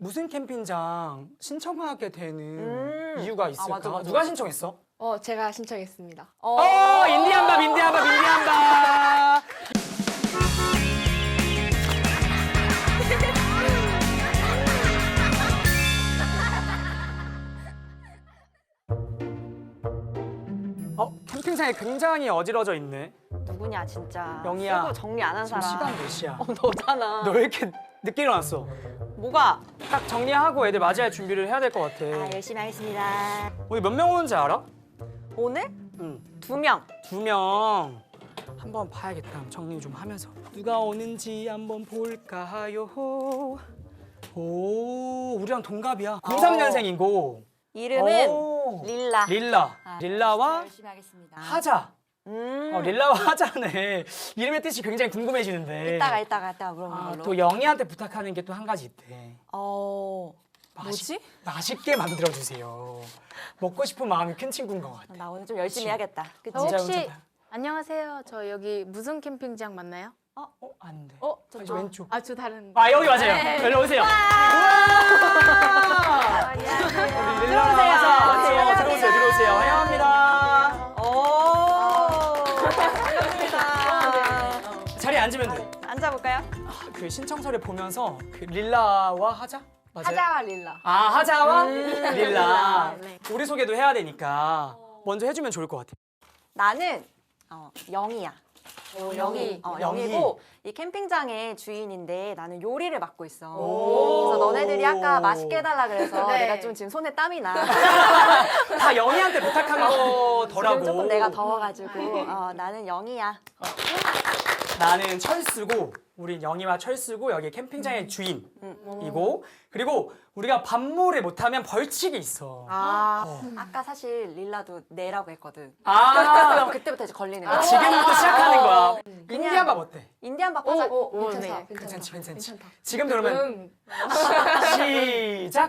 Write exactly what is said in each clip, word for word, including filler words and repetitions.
무슨 캠핑장 신청하게 되는 음. 이유가 있을까? 맞아, 맞아, 누가 맞아. 신청했어? 어, 제가 신청했습니다. 어, 어, 인디안밥, 인디안밥, 인디안밥. 어, 캠핑장이 굉장히 어지러져 있네. 누구냐 진짜. 영희야. 쓰고 정리 안 한 지금 사람. 시간 몇 시야? 어, 너잖아. 너 왜 이렇게 늦게 일어났어? 뭐가? 딱 정리하고 애들 맞이할 준비를 해야 될 것 같아. 아, 열심히 하겠습니다. 오늘 몇 명 오는지 알아? 오늘 응. 두 명. 두 명. 한번 봐야겠다. 정리 좀 하면서. 누가 오는지 한번 볼까요? 오, 우리랑 동갑이야. 공삼 년생이고. 이름은 오. 릴라. 릴라. 아, 릴라와 열심히 하겠습니다. 하자. 음. 어, 릴라와 하자네. 이름의 뜻이 굉장히 궁금해지는데. 이따가 이따가 이따가 물어보는 아, 걸로. 또 영희한테 부탁하는 게 또 한 가지 있대. 어. 맛있- 뭐지? 맛있게 만들어주세요. 먹고 싶은 마음이 큰 친구인 것 같아. 나 오늘 좀 열심히 그치. 해야겠다. 그치? 저 진짜 혹시 괜찮다. 안녕하세요. 저 여기 무슨 캠핑장 맞나요? 어, 안 돼. 어, 아, 저 왼쪽. 아, 저 다른. 아, 여기 맞아요. 네. 여기 오세요. 우와! 안녕하세요. 우리 릴라 들어오세요. 하자. 맞죠? 환영합니다. 들어오세요. 들어오세요. 환영합니다. 오. 반갑습니다. 자리에 앉으면 돼. 앉아볼까요? 그 신청서를 보면서 그 릴라와 하자? 맞아요? 하자와 릴라. 아, 하자와 음, 릴라. 네. 우리 소개도 해야 되니까 먼저 해주면 좋을 것 같아. 나는 어, 영희야. 영희. 어, 영희. 영희고 이 캠핑장의 주인인데 나는 요리를 맡고 있어. 오. 그래서 너네들이 아까 맛있게 해달라 그래서 네. 내가 좀 지금 손에 땀이 나. 다 영희한테 부탁한 거더라고. 지금 조금 내가 더워가지고 어, 나는 영희야. 나는 철수고 우린 영희와 철수고 여기 캠핑장의 음. 주인이고 그리고 우리가 밥몰을 못하면 벌칙이 있어. 아, 어. 아까 사실 릴라도 내라고 했거든. 아, 그럼 그때부터 이제 걸리는 거야. 지금부터 시작하는 거야. 그냥- 인디안밥 어때? 인디안 밥 오, 하자. 오, 오, 괜찮다. 네. 괜찮지, 괜찮지. 괜찮다. 지금도 그러면 응. 시작.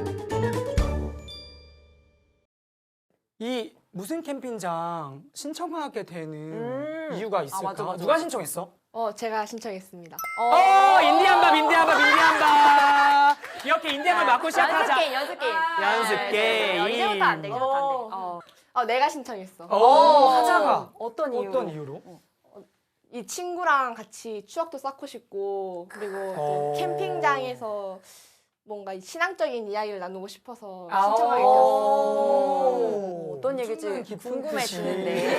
이 무슨 캠핑장 신청하게 되는 음. 이유가 있을까? 맞아, 맞아, 누가 맞아. 신청했어? 어, 제가 신청했습니다. 어, 인디안밥, 인디안밥, 인디안밥. 이렇게 인디안밥 맞고 시작하자. 연습 게임, 연습 게임. 연습 게임. 어, 이제부터 안 돼, 이제부터 안 돼. 어. 어. 어, 내가 신청했어. 오, 하자가 어떤 이유로? 어떤 이유로? 이 친구랑 같이 추억도 쌓고 싶고 그리고 어. 또 캠핑장에서 뭔가 이 신앙적인 이야기를 나누고 싶어서 아, 신청하게 오. 되었어. 어, 어떤 얘기지 엄청난 깊은 궁금해지는데.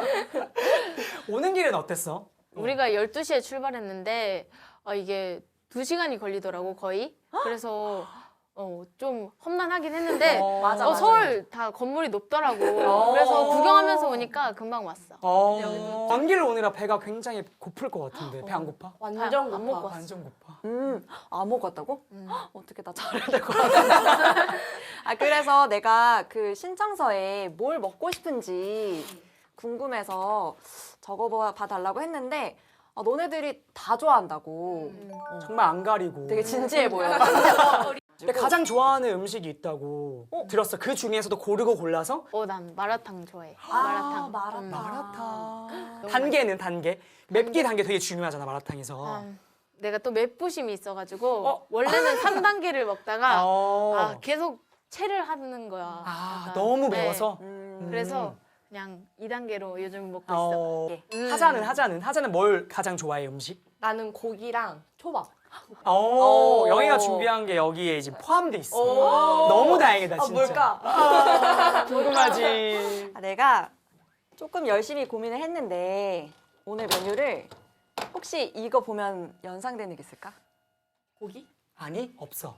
오는 길은 어땠어? 우리가 열두 시에 출발했는데 어, 이게 두 시간이 걸리더라고 거의. 그래서 어, 좀 험난하긴 했는데 어, 맞아, 어, 맞아. 서울 다 건물이 높더라고. 어. 그래서 구경하면서 오니까 금방 왔어. 어, 먼 길을 오느라 배가 굉장히 고플 것 같은데 배 안 고파? 완전 안 고파. 먹고 왔어. 완전 고파. 음, 안 먹었다고? 어떻게 나 잘해야 될 것 같아. 아, 그래서 내가 그 신청서에 뭘 먹고 싶은지 궁금해서 적어봐 달라고 했는데 아, 너네들이 다 좋아한다고. 어, 정말 안 가리고. 되게 진지해 보여. 근데 가장 좋아하는 음식이 있다고 들었어. 그 중에서도 고르고 골라서 어, 난 마라탕 좋아해. 아, 마라탕. 마라탕. 음. 마라탕. 단계는 단계. 맵기 단계 되게 중요하잖아 마라탕에서. 아, 내가 또 맵부심이 있어가지고 어? 원래는 삼 단계를 먹다가 어. 아, 계속 체를 하는 거야. 아, 약간. 너무 네. 매워서. 음. 그래서 그냥 이 단계로 요즘 먹고 있어. 어. 음. 하자는 하자는 하자는 뭘 가장 좋아해 음식? 나는 고기랑 초밥. 어, 오. 영희가 준비한 게 여기에 지금 포함돼 있어. 오. 너무 다행이다 아, 진짜. 뭘까? 아, 궁금하지. 아, 내가 조금 열심히 고민을 했는데 오늘 메뉴를 혹시 이거 보면 연상되는 게 있을까? 고기? 아니 없어.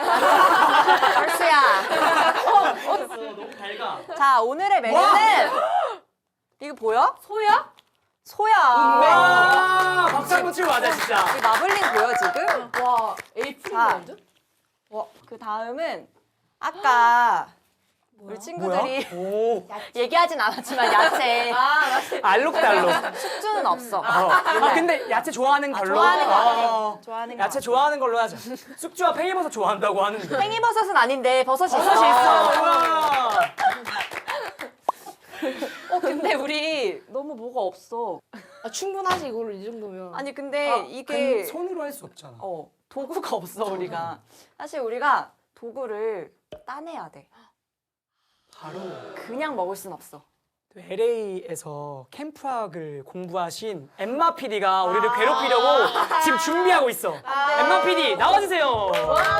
얼스야. 없어 너무 달가. 자, 오늘의 메뉴는 이거 보여? 소야? 소야. 와 박수 한번 치고 가자 진짜. 이 마블링 보여 지금? 와, 에이프릴랜드? 그 다음은 아까 우리 친구들이 뭐야? 오 얘기하진 않았지만 야채 아, 맞지. 알록달록. 숙주는 없어. 어. 아 근데 야채 좋아하는 아, 걸로. 좋아하는 거 같아. 어. 좋아하는 거 야채 같아. 좋아하는 걸로 하자. 쑥주와 팽이버섯 좋아한다고 하는데. 팽이버섯은 아닌데 버섯이 있어. 버섯이 있어. 우와. 어 근데 우리 너무 뭐가 없어. 아, 충분하지, 이걸로 이 정도면. 아니 근데 아, 이게 그 손으로 할 수 없잖아. 어 도구가 없어 우리가. 사실 우리가 도구를 따내야 돼. 바로 그냥 먹을 순 없어. 엘에이에서 캠프학을 공부하신 엠마 피디가 우리를 괴롭히려고 지금 준비하고 있어. 엠마 피디 나와주세요.